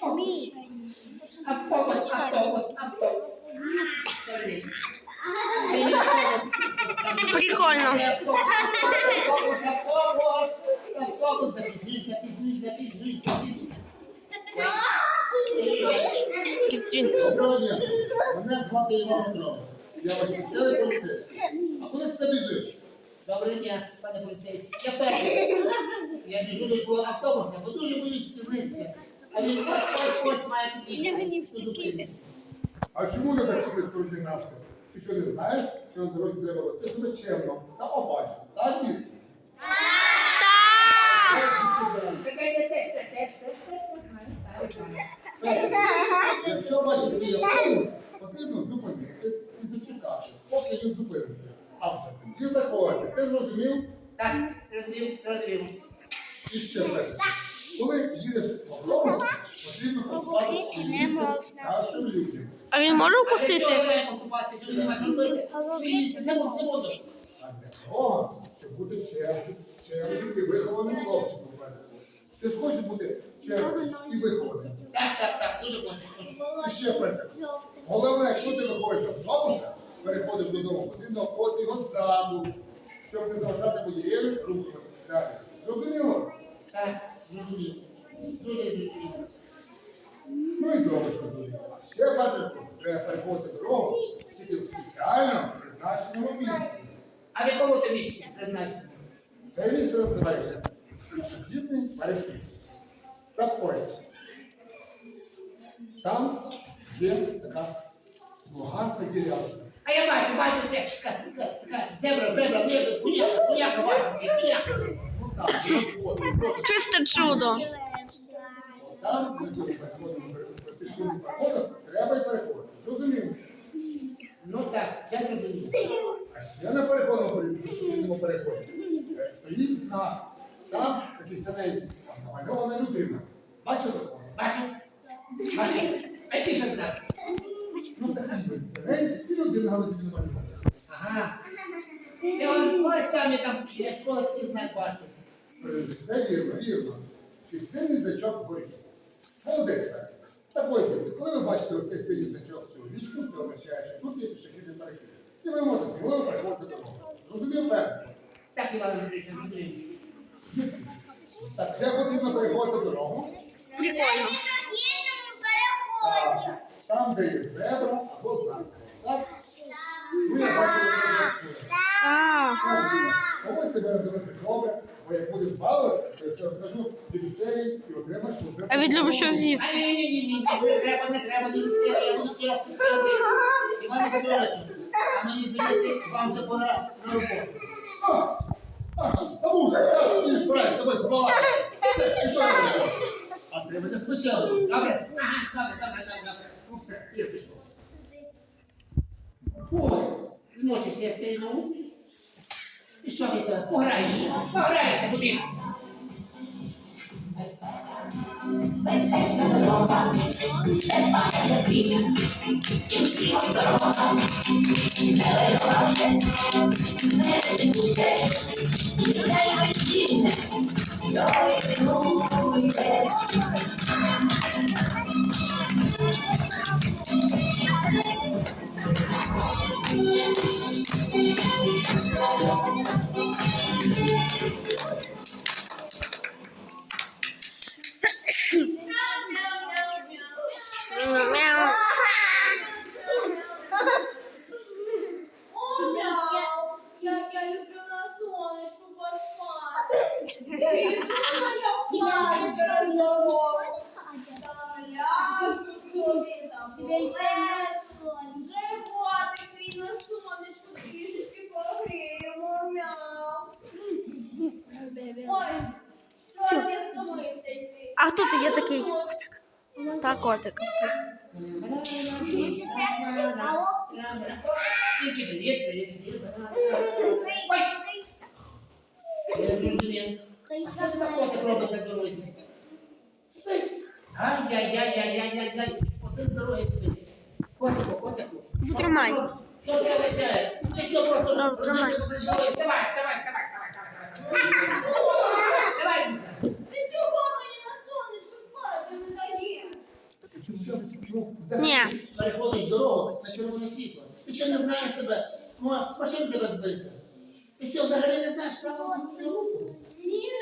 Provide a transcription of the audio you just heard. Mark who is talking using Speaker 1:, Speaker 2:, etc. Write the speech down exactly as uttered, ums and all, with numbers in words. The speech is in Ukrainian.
Speaker 1: Автобус, автобус, автобус.
Speaker 2: Прикольно.
Speaker 1: Автобус, автобус, автобус, запізніть, запізніть, запізніть, запізніть.
Speaker 2: Кістін.
Speaker 3: Доброго дня. Мене звати Іван Петрович. Я ваш місцевий поліцейський. А куди ти біжиш?
Speaker 1: Доброго дня, пане поліцейський. Я перший. Я біжу до свого автобуса, бо дуже боюсь спізнитися. А він ось ось має під'їхати.
Speaker 3: А чому не так швидко розігнався? Ти що не знаєш, що на дорозі треба вести себе чемно та обачно? Так, дід?
Speaker 1: Такий не тест, тест, тест, тест, тест.
Speaker 3: Якщо бачиш свій автобус, потрібно зупинитись і зачекати, поки він зупиниться. А вже тоді заходити. Ти зрозумів?
Speaker 1: Так, розумів, розумів.
Speaker 3: І ще перше. Коли їдеш в автобусі, потрібно поставити місце старшим людям.
Speaker 2: А він може
Speaker 1: А для
Speaker 2: укусити?
Speaker 1: чого ви маєте покупатися, що ви не можете робити? Ні, не буду, не буду.
Speaker 3: А для того, щоб бути чемним, чемним і вихованим хлопчиком. Ти ж хочеш бути чемним і вихованим.
Speaker 1: Так, так, так, дуже хочу.
Speaker 3: І ще перше. Головне, якщо ти виходиш з автобуса, переходиш додому, потрібно обходити його ззаду, щоб не заважати водієві рухатися. Далі. Зрозуміло?
Speaker 1: Так, зрозумів. Дуже зрозумів.
Speaker 3: Ну і добре зрозуміло. Ще Петрику, треба переходити дорогу тільки в спеціально призначеному місці.
Speaker 1: А в якому то місці призначено?
Speaker 3: Це місце називається пішохідний перехід. Так ось. Там є така смугаста ділянка.
Speaker 1: А я бачу, бачу, це така, така, така зебра, зебра, ні, куняка, куняка, бачу, куняка.
Speaker 3: Ну так, от, от.
Speaker 2: Чисте чудо.
Speaker 3: Там, де ми переходимо пішохідним переходом, треба й переходити. Зрозуміло?
Speaker 1: Ну так, я зрозумів.
Speaker 3: А ще на переходному пішохідному переході стоїть знак. Там такий синенький, там намальована людина. Бачите?
Speaker 1: Бачу, бачу. А який ще знак?
Speaker 3: Ну такий він синенький, і людина на тобі намальована.
Speaker 1: Ага. Це он ось там, я там біля школи такий знак бачу.
Speaker 3: Це вірно, вірно. Підсильний значок вгорі. Молодець так. Так ось, друзі, коли ви бачите ось цей синій значок з чоловічком, це означає, що тут є пішохідний перехід. І ви можете сміливо переходити дорогу. Зрозумів, певно?
Speaker 1: Так, Іван Андрійович, зрозумів.
Speaker 3: Так, де потрібно переходити дорогу?
Speaker 2: Прикольно.
Speaker 3: А, там, де є зебра або знак. Так? Ну, я бачу, що це.
Speaker 2: А,
Speaker 3: Поводь себе дуже добре, бо як будеш балувати, то я все розкажу дивіцеві і отримаєш усе.
Speaker 2: а він любить щось
Speaker 1: А
Speaker 2: з'їсти.
Speaker 1: ні, ні, ні, ні, не треба, не треба, не треба, я буду чесно, чесно. Іван Петрович, а мені здається, вам вже пора на роботу.
Speaker 3: А, а, Савуша, так, ти ж правильно, з тобою збалакати. Все, пішов на роботу. А ти мене спочатку.
Speaker 1: Добре? Ага, добре, добре, добре, добре.
Speaker 3: Ну все, я пішов.
Speaker 1: Ой, змочився я стрільнув. І що ви то? Пограй, пограйся, будь.
Speaker 2: Мяу.
Speaker 4: Як я люблю на сонечку поспати. Я плачу на нього. Там ляжу собі, там полежу. Животик свій на сонечку трішечки погріємо. Мяу. Ой, що ж я стомився йти.
Speaker 2: А хто ти є такий? Та котик.
Speaker 1: Привіт, привіт, привіт. Ой! Я зрозумів. Що ви так котик робите на дорозі? Ай-яй-яй-яй-яй-яй-яй. Один з дороги спить. Котику, котику.
Speaker 2: Тримай.
Speaker 1: Що ти вважаєш? Ти що просто...
Speaker 2: Ну, тримай.
Speaker 1: Вставай, вставай, вставай, вставай, вставай, вставай. Вставай, Ліза.
Speaker 4: Ти чого мені на сонечку спати не даєш?
Speaker 3: чому взагалі
Speaker 2: Ні.
Speaker 1: Переходиш дорогу на червоне світло. Ти що не знаєш себе? Мо- Машин тебе збити. Ти що, взагалі не знаєш правил дорожнього руху?
Speaker 4: Ні,